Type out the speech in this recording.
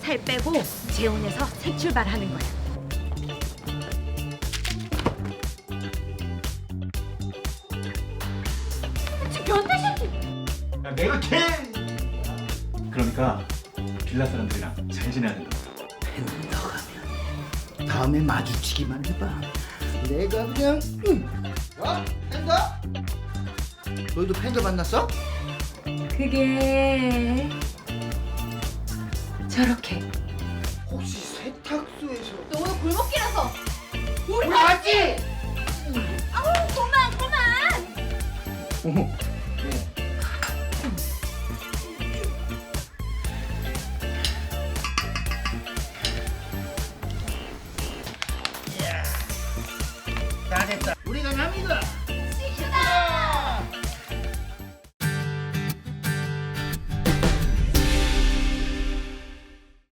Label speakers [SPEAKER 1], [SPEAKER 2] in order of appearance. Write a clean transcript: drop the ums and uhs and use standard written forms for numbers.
[SPEAKER 1] 살 빼고 재혼해서 새 출발하는 거야. 변태 새끼.
[SPEAKER 2] 야, 내가 걔. 그러니까 빌라 사람들이랑 잘 지내야 된다.
[SPEAKER 3] 팬더 가면 다음에 마주치기만 해봐. 내가 그냥 팬더? 너희도 팬더 만났어?
[SPEAKER 1] 그게 저렇게.
[SPEAKER 3] 혹시 세탁소에서
[SPEAKER 1] 너 오늘 골목길에서
[SPEAKER 3] 우리 맞지?
[SPEAKER 1] 아우 그만.
[SPEAKER 3] 어머,